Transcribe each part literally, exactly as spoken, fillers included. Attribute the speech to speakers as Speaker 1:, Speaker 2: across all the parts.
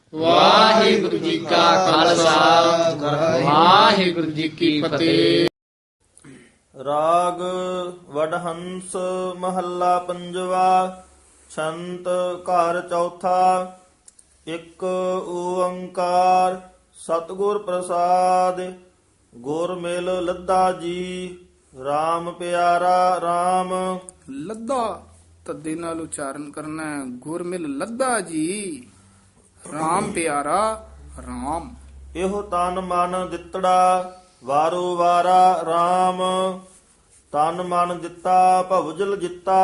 Speaker 1: ਵਾਹਿਗੁਰੂ ਜੀ ਕਾ ਖਾਲਸਾ ਵਾਹਿਗੁਰੂ ਜੀ ਕੀ ਫਤਿਹ।
Speaker 2: ਰਾਗ ਵਡਹੰਸ ਮਹੱਲਾ ਪੰਜਵਾ। ਛੰਤ ਘਰ ਚੌਥਾ। ਇੱਕ ਓੰਕਾਰ ਸਤਿਗੁਰ ਪ੍ਰਸਾਦ। ਗੁਰ ਮਿਲ ਲੱਦਾ ਜੀ RAM ਪਿਆਰਾ RAM।
Speaker 1: ਲੱਦਾ ਤੱਦੇ ਨਾਲ ਉਚਾਰਨ ਕਰਨਾ ਹੈ। ਗੁਰ ਮਿਲ ਲੱਦਾ ਜੀ RAM ਪਿਆਰਾ RAM।
Speaker 2: ਇਹੋ ਤਨ ਮਨ ਦਿੱਤੜਾ ਵਾਰੋ ਵਾਰਾ RAM। ਤਨ ਮਨ ਦਿੱਤਾ ਭਵਜਲ ਜਿੱਤਾ।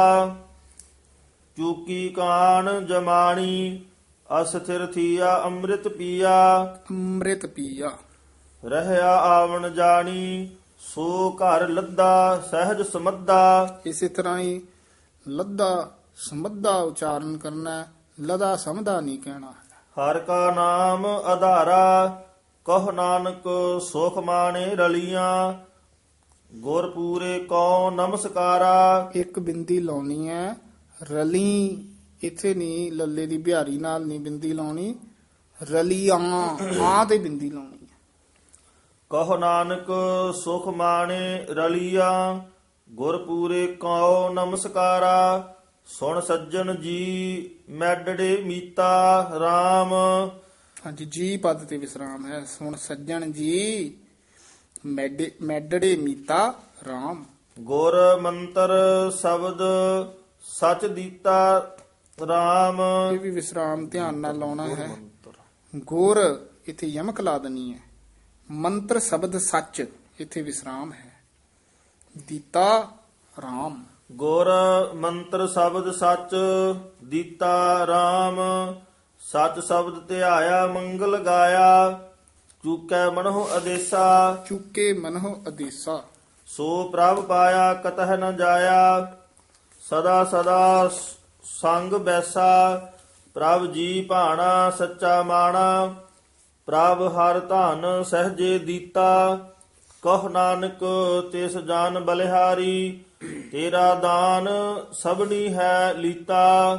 Speaker 2: ਚੂਕੀ ਕਾਣ ਜਮਾਣੀ ਅਸਥਿਰ ਥੀਆ ਅੰਮ੍ਰਿਤ ਪੀਆ।
Speaker 1: ਅੰਮ੍ਰਿਤ ਪੀਆ
Speaker 2: ਰਹਿਆ ਆਵਣ ਜਾਣੀ ਸੋ ਘਰ ਲੱਦਾ ਸਹਿਜ ਸਮੱਦਾ।
Speaker 1: ਇਸੇ ਤਰ੍ਹਾਂ ਹੀ ਲੱਦਾ ਸਮੱਦਾ ਉਚਾਰਨ ਕਰਨਾ ਹੈ। ਲਦਾ ਸਮਦਾ ਨਹੀਂ ਕਹਿਣਾ ਹੈ।
Speaker 2: ਹਰ ਕਾ ਨਾਮ ਆਧਾਰਾ ਕਹ ਨਾਨਕ ਸੁਖ ਮਾਣੇ ਰਲੀਆਂ। ਗੁਰ ਪੂਰੇ ਕਉ ਨਮਸਕਾਰਾ।
Speaker 1: ਇੱਕ ਬਿੰਦੀ ਲਾਉਣੀ ਹੈ। ਰਲੀ ਇੱਥੇ ਨਹੀਂ, ਲੱਲੇ ਦੀ ਬਿਹਾਰੀ ਨਾਲ ਨਹੀਂ ਬਿੰਦੀ ਲਾਉਣੀ। ਰਲੀਆਂ ਆ ਤੇ ਬਿੰਦੀ ਲਾਉਣੀ ਹੈ।
Speaker 2: ਕਹ ਨਾਨਕ ਸੁਖ ਮਾਣੇ ਰਲੀਆਂ। ਗੁਰ ਪੂਰੇ ਕਉ ਨਮਸਕਾਰਾ। ਸੁਣ ਸੱਜਣ ਜੀ ਮੈਡੜੇ ਮੀਤਾ RAM।
Speaker 1: ਹਾਂਜੀ, ਜੀ ਪਦ ਤੇ ਵਿਸਰਾਮ ਹੈ। ਸੁਣ ਸੱਜਣ ਜੀ ਮੈਡੇ ਮੈਡੜੇ ਮੀਤਾ RAM।
Speaker 2: ਗੁਰ ਮੰਤਰ ਸ਼ਬਦ ਸਚ ਦੀਤਾ RAM।
Speaker 1: ਇਹ ਵੀ ਵਿਸਰਾਮ ਧਿਆਨ ਨਾਲ ਲਾਉਣਾ ਹੈ। ਗੁਰ ਇੱਥੇ ਯਮਕ ਲਾ ਦੇਣੀ ਹੈ। ਮੰਤਰ ਸ਼ਬਦ ਸੱਚ ਇੱਥੇ ਵਿਸਰਾਮ ਹੈ। ਦੀਤਾ RAM।
Speaker 2: ਗੁਰ ਮੰਤਰ ਸ਼ਬਦ ਸਚ ਦੀਤਾ RAM। ਸਚ ਸ਼ਬਦ ਧਿਆਇਆ ਮੰਗਲ ਗਾਇਆ। ਚੂਕੈ ਮਨਹੁ ਅਦੇਸਾ
Speaker 1: ਚੁੱਕੇ ਮਨਹੁ ਅਦੇਸਾ।
Speaker 2: ਸੋ ਪ੍ਰਭ ਪਾਇਆ ਕਤਹ ਨ ਜਾਇਆ। ਸਦਾ ਸਦਾ ਸੰਗ ਬੈਸਾ। ਪ੍ਰਭ ਜੀ ਭਾਣਾ ਸੱਚਾ ਮਾਣਾ। ਪ੍ਰਭ ਹਰ ਧਨ ਸਹਜੇ ਦੀਤਾ। ਕਹ ਨਾਨਕ ਤਿਸ ਜਾਨ ਬਲਿਹਾਰੀ। ਤੇਰਾ ਦਾਨ ਸਭਨੀ ਹੈ ਲੀਤਾ।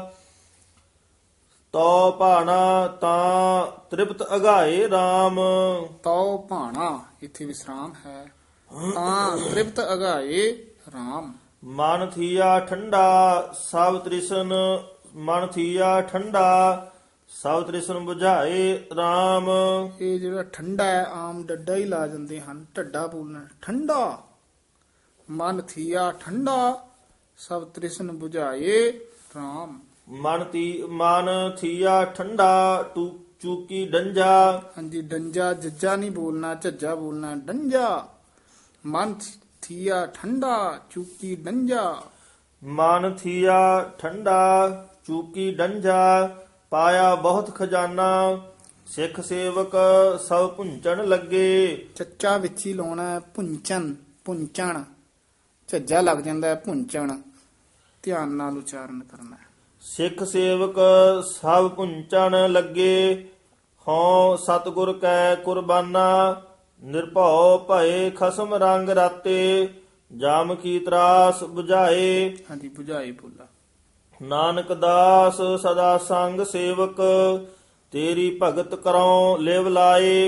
Speaker 2: ਤੋ ਭਾਣਾ ਤਾਂ ਤ੍ਰਿਪਤ ਅਗਾਏ RAM।
Speaker 1: ਤਉ ਭਾਣਾ ਇੱਥੇ ਵਿਸਰਾਮ ਹੈ। ਤਾਂ ਤ੍ਰਿਪਤ ਅਗਾਏ RAM।
Speaker 2: ਮਨ ਥੀਆ ਠੰਡਾ ਸਭ ਤ੍ਰਿਸ਼ਨ। ਮਨ ਥੀਆ ਠੰਡਾ ਸਭ ਤ੍ਰਿਸ਼ਨ ਬੁਝਾਏ RAM।
Speaker 1: ਇਹ ਜਿਹੜਾ ਠੰਡਾ ਹੈ, ਆਮ ਡੱਡਾ ਹੀ ਲਾ ਜਾਂਦੇ ਹਨ। ਢੱਡਾ ਬੋਲਣਾ ਠੰਡਾ। ਮਨ ਥੀਆ ਠੰਡਾ ਸਭ ਤ੍ਰਿਸ਼ਨ 부ਝਾਏ RAM।
Speaker 2: ਮਨ ਤੀ ਮਨ ਥੀਆ ਠੰਡਾ ਟੂ ਚੂਕੀ ਡੰਜਾ।
Speaker 1: ਹਾਂਜੀ, ਡੰਜਾ ਜੱਜਾ ਨਹੀਂ ਬੋਲਣਾ, ਝੱਜਾ ਬੋਲਣਾ ਡੰਜਾ। ਮਨ ਥੀਆ ਠੰਡਾ ਚੂਕੀ ਡੰਜਾ।
Speaker 2: ਮਨ ਥੀਆ ਠੰਡਾ ਚੂਕੀ ਡੰਜਾ। ਪਾਇਆ ਬਹੁਤ ਖਜ਼ਾਨਾ ਸਿੱਖ ਸੇਵਕ ਸਭ ਪੁੰਚਣ ਲੱਗੇ।
Speaker 1: ਚੱਚਾ ਵਿੱਚ ਹੀ ਲਾਉਣਾ ਹੈ। ਪੁੰਚਨ ਪੁੰਚਣ ਝੱਜਾ ਲੱਗ ਜਾਂਦਾ ਹੈ। ਪੁੰਚਣ ਧਿਆਨ ਨਾਲ ਉਚਾਰਨ ਕਰਨਾ ਹੈ।
Speaker 2: ਸਿੱਖ ਸੇਵਕ ਸਭ ਪੁੰਚਣ ਲੱਗੇ। ਹਉ ਸਤਿਗੁਰ ਕੈ ਕੁਰਬਾਨਾ। ਨਿਰਭਉ ਭਏ ਖਸਮ ਰੰਗ ਰਾਤੇ। ਜਾਮ ਕੀ ਤਰਾਸ 부ਝਾਏ।
Speaker 1: ਹਾਂਜੀ, 부ਝਾਏ ਬੋਲਾ।
Speaker 2: ਨਾਨਕ ਦਾਸ ਸਦਾ ਸੰਗ ਸੇਵਕ। ਤੇਰੀ ਭਗਤ ਕਰਉ ਲਿਵ ਲਾਏ।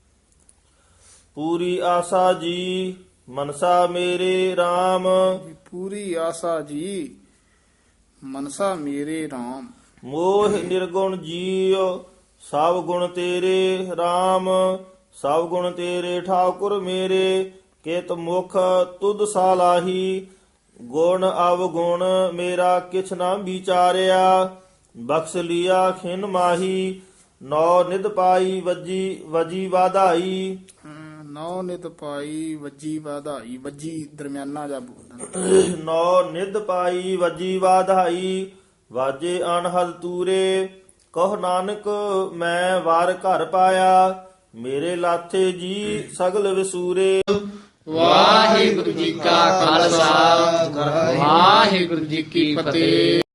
Speaker 2: ਪੂਰੀ ਆਸਾ ਜੀ ਮਨਸਾ ਮੇਰੇ RAM।
Speaker 1: ਪੂਰੀ ਆਸਾ ਜੀ ਮਨਸਾ ਮੇਰੇ RAM।
Speaker 2: ਮੋਹ ਨਿਰਗੁਣ ਜੀਉ ਸਭ ਗੁਣ ਤੇਰੇ RAM। ਸਭ ਗੁਣ ਤੇਰੇ ਠਾਕੁਰ ਮੇਰੇ। ਕਿਤ ਮੁਖ ਤੁਧ ਸਾਲਾਹੀ। ਗੁਣ ਅਵਗੁਣ ਮੇਰਾ ਕਿਛ ਨਾ ਵਿਚਾਰਿਆ। ਬਖਸ਼ ਲਿਆ ਖਿਨ ਮਾਹੀ। ਨੌ ਨਿਧ ਪਾਈ ਵਜੀ ਵਜੀ ਵਾਧਾਈ।
Speaker 1: ਨੌ ਨਿਤ ਪਾਈ ਵੱਜੀ ਵਾਧਾਈ। ਵੱਜੀ ਦਰਮਿਆਨਾ ਜਾ ਬੋਲਣਾ।
Speaker 2: ਨੌ ਨਿਧ ਪਾਈ ਵਜੀ ਵਾਧਾਈ। ਵਾਜੇ ਅਨਹਦ ਤੂਰੇ। ਕਹ ਨਾਨਕ ਮੈਂ ਵਾਰ ਘਰ ਪਾਇਆ। ਮੇਰੇ ਲਾਥੇ ਜੀ ਸਗਲ ਵਿਸੂਰੇ।
Speaker 1: ਵਾਹਿਗੁਰੂ ਜੀ ਕਾ ਖਾਲਸਾ ਵਾਹਿਗੁਰੂ ਜੀ ਕੀ ਫਤਿਹ।